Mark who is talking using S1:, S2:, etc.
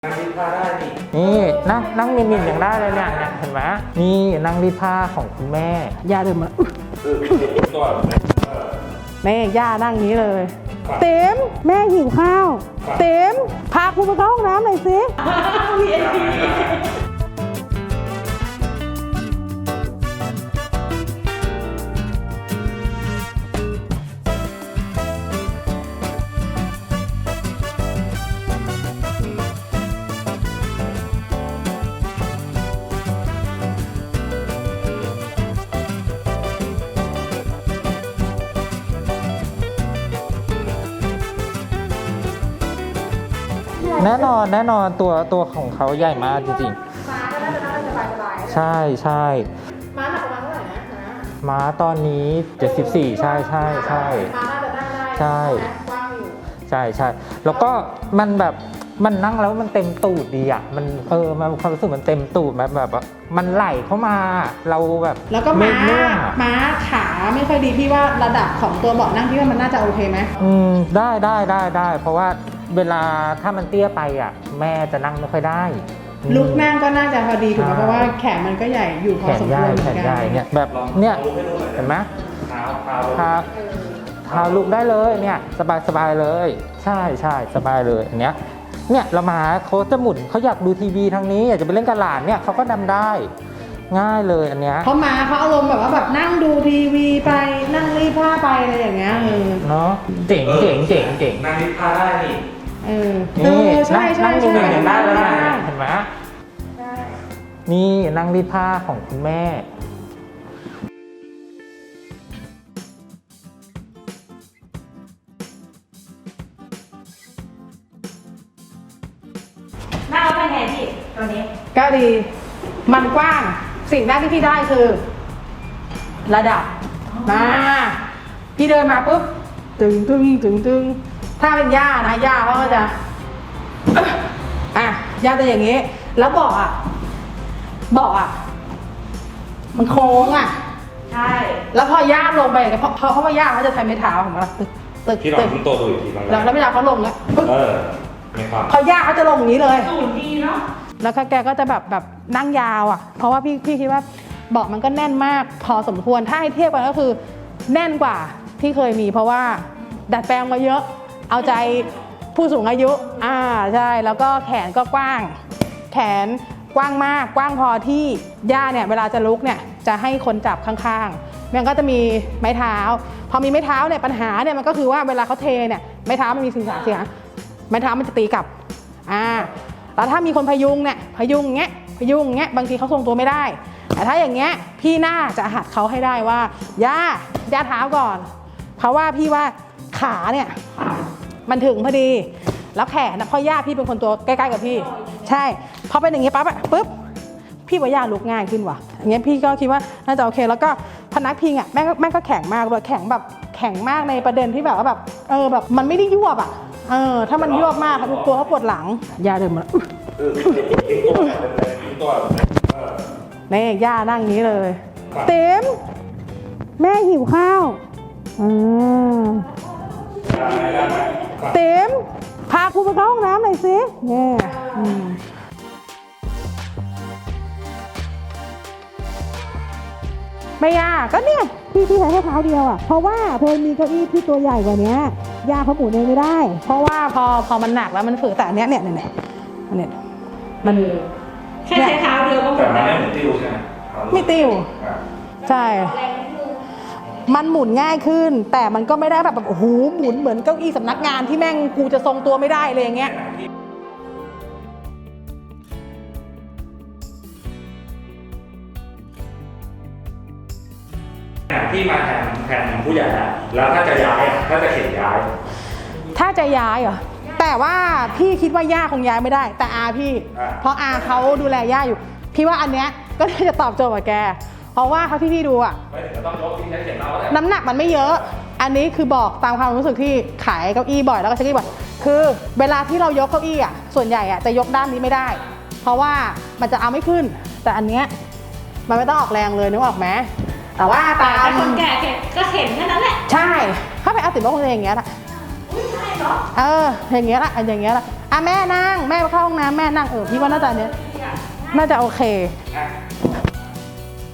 S1: นั่งรีดผ้าได้
S2: นี่นั่งมินอย่างได้เลยเนี่ยเห็นไหมนี่นั่งรีดผ้าของคุณแม่ย่าเดินมา
S1: ตัว
S2: แม่ย่านั่งนี้เลยเต็มแม่หิวข้าวเต็มพาคุณไปเข้าห้องน้ำหน่อยสิแน่นอนตัวของเขาใหญ่มากจริงๆใช่ม้าหนักประมาณเท่าไหร่นะม้าตอนนี้74ใช่ม้าน่าจะนั่งได้ใช่กว้างอยู่ใช่แล้วก็มันแบบมันนั่งแล้วมันเต็มตูดดีอ่ะมันมันความรู้สึกมันเต็มตูดแบบมันไหลเข้ามาเราแบบ
S3: แล้วก็ม้าขาไม่ค่อยดีพี่ว่าระดับของตัวเบาะนั่งพี่ว่ามันน่าจะโอเคไหม
S2: ได้เพราะว่าเวลาถ้ามันเตี้ยไปอ่ะแม่จะนั่งไม่ค่อยได้
S3: ลุกนั่งก็น่าจะพอดีถูกไหมเพราะว่าแขนมันก็ใหญ่อยู่พอสมควร
S2: แขนใหญ่เนี่ยแบบเนี่ยเห็นไหมเท้าลุกได้เลยเนี่ยสบายเลยใช่สบายเลยอันเนี้ยเนี่ยเรามาเขาจะหมุนเขาอยากดูทีวีทางนี้อยากจะไปเล่นกับหลานเนี่ยเขาก็ดำได้ง่ายเลยอันเนี้ย
S3: เขามาเขาอารมณ์แบบว่าแบบนั่งดูทีวีไปนั่งรีดผ้าไปอะไรอย่างเงี้ย
S2: เนาะเจ๋ง
S1: นั่งรีดผ้าได้
S3: ใช่
S2: นั่งอย่างได้เลยเห็นไหมนี่นั่งรีดผ้าของคุณแม่
S4: นั่งแล้วเป็นไงพี่ตัวนี้
S3: ก็ดีมันกว้างสิ่งแรกที่พี่ได้คือระดับมาพี่เดินมาปุ๊บตึงถ้าเป็นย่านะย่าเขาก็จะย่าจะอย่างงี้แล้วเบาะมันโค้ง
S4: ใช่
S3: แล้วพอย่าลงไปเพราะว่าย่าเขาจะใช้ไม้เท้าของมัน
S1: ตึกพี่ลองตัวดูอีกที
S3: แล้วเวลาเขาลงแล้ว
S1: ไม่ครับ
S3: พอย่าเขาจะลงอย่างนี้เลย
S4: สูงดีเนาะ
S3: แล้วแกก็จะแบบนั่งยาวเพราะว่าพี่คิดว่าเบาะมันก็แน่นมากพอสมควรถ้าให้เทียบกันก็คือแน่นกว่าที่เคยมีเพราะว่าดัดแปลงมาเยอะเอาใจผู้สูงอายุใช่แล้วก็แขนก็กว้างแขนกว้างมากกว้างพอที่ย่าเนี่ยเวลาจะลุกเนี่ยจะให้คนจับข้างๆมันก็จะมีไม้เท้าพอมีไม้เท้าเนี่ยปัญหาเนี่ยมันก็คือว่าเวลาเขาเทเนี่ยไม้เท้ามันมีสิ่งเสียไม้เท้ามันจะตีกลับแล้วถ้ามีคนพยุงเงี้ยบางทีเขาทรงตัวไม่ได้แต่ถ้าอย่างเงี้ยพี่น่าจะหัดเขาให้ได้ว่าย่าเท้าก่อนเพราะว่าพี่ว่าขาเนี่ยมันถึงพอดีแล้วแขนนะเพราะย่าพี่เป็นคนตัวใกล้ๆกับพี่ใช่พอเป็นอย่างเงี้ยปุ๊บพี่ว่าย่าลุกง่ายขึ้นว่ะอย่างเงี้ยพี่ก็คิดว่าน่าจะโอเคแล้วก็พนักพิงแม่ก็แข็งมากเลยแข็งแบบแข็งมากในประเด็นที่แบบว่าแบบแบบมันไม่ได้ยวบถ้ามันยวบมากตัวเขาปวดหลังย่าเดินมาแม่ย่านั่งนี้เลยเต็มแม่หิวข้าวเต็มพาคุณไปเข้าห้องน้ำหน่อยสิเนี่ยไม่ยากก็เนี่ยพี่ใช้แค่เท้าเดียวเพราะว่าเธอมีเก้าอี้ที่ตัวใหญ่กว่านี้ย่าเขาหมุนเองไม่ได้เพราะว่าพอมันหนักแล้วมันฝืดแต่อันเนี้ยมัน
S4: แค่ใช้เท้าเดียวก็หมุน
S1: ได้ไม่ติ้วใช่ไหม
S3: ไม่ติ้วใช่มันหมุนง่ายขึ้นแต่มันก็ไม่ได้แบบโอ้โหหมุนเหมือนเก้าอี้สำนักงานที่แม่งกูจะทรงตัวไม่ได้เลยอย่างเงี้ย
S1: ที่มาแทนผู้ใหญ่แล้วถ้าจะย้ายถ้าจะเข็นย้าย
S3: ถ้าจะย้ายเหรอแต่ว่าพี่คิดว่าย่าคงย้ายไม่ได้แต่พี่เพราะเขาดูแลย่าอยู่พี่ว่าอันเนี้ยก็น่าจะตอบโจทย์กับแกเพราะว่าเขาที่พี่ดูน้ำหนักมันไม่เยอะอันนี้คือบอกตามความรู้สึกที่ขายเก้าอี้บ่อยแล้วก็ใช้เก้าอี้บ่อยคือเวลาที่เรายกเก้าอี้ส่วนใหญ่จะยกด้านนี้ไม่ได้เพราะว่ามันจะเอาไม่ขึ้นแต่อันเนี้ยมันไม่ต้องออกแรงเลยนึกออกไหมแต่ว่าตาม
S4: คนแก่ก็เข็นแค่นั้นแหละ
S3: ใช่ถ้าไปอาติบอกคนอย่างเงี้ยละอย่างเงี้ยละอ่ะแม่นั่งแม่ไปเข้าห้องน้ำแม่นั่งพี่ว่าน่าจะเนี้ยน่าจะโอเค
S1: อ่ะ